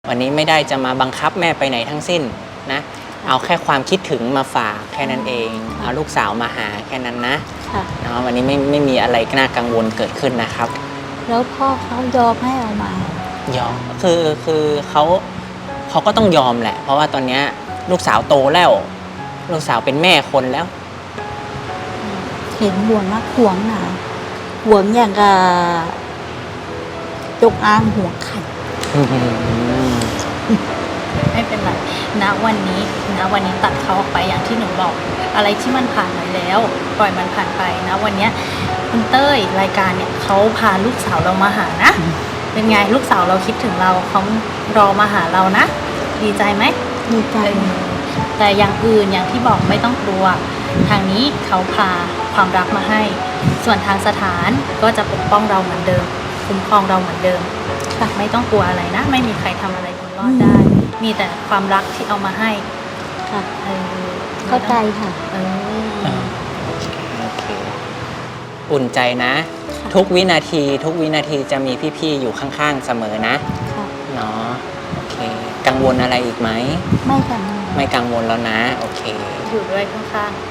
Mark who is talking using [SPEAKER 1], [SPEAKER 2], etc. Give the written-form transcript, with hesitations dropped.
[SPEAKER 1] วันนี้ไม่ได้จะมาบังคับแม่ไปไหนทั้งสิ้นนะเอาแค่ความคิดถึงมาฝากแค่นั้นเองเอาลูกสาวมาหาแค่นั้นนะเนาะวันนี้ไม่มีอะไรน่ากังวลเกิดขึ้นนะครับ
[SPEAKER 2] แล้วพ่อเขายอมให้เอามาย
[SPEAKER 1] อมคือเขาก็ต้องยอมแหละเพราะว่าตอนนี้ลูกสาวโตแล้วลูกสาวเป็นแม่คนแล้ว
[SPEAKER 2] เห็นห่วงมากห่วงหนาห่วงอย่างกับจงอางห่วงไข่
[SPEAKER 3] ไม่เป็นไรณวันนี้ตัดเขาออกไปอย่างที่หนูบอกอะไรที่มันผ่านไปแล้วปล่อยมันผ่านไปนะวันนี้คุณเต้ยรายการเนี่ยเขาพาลูกสาวเรามาหานะเป็นไงลูกสาวเราคิดถึงเราเขารอมาหาเรานะดีใจไหม
[SPEAKER 2] ดีใจ
[SPEAKER 3] แต่อย่างอื่นอย่างที่บอกไม่ต้องกลัวทางนี้เขาพาความรักมาให้ส่วนทางสถานก็จะปกป้องเราเหมือนเดิมคุ้มครองเราเหมือนเดิมไม่ต้องกลัวอะไรนะไม่มีใครทำอะไรบุญรอดได้มีแต่ความรักที่เอามาให้
[SPEAKER 2] ค่ะเข้าใจค่ะ
[SPEAKER 1] โอเคอุ่นใจนะทุกวินาทีจะมีพี่ๆอยู่ข้างๆเสมอนะเนาะโอเคกังวลอะไรอีกไหม
[SPEAKER 2] ไม่กังวล
[SPEAKER 1] แล้วนะโอเค
[SPEAKER 3] อยู่ด้วยข้างๆ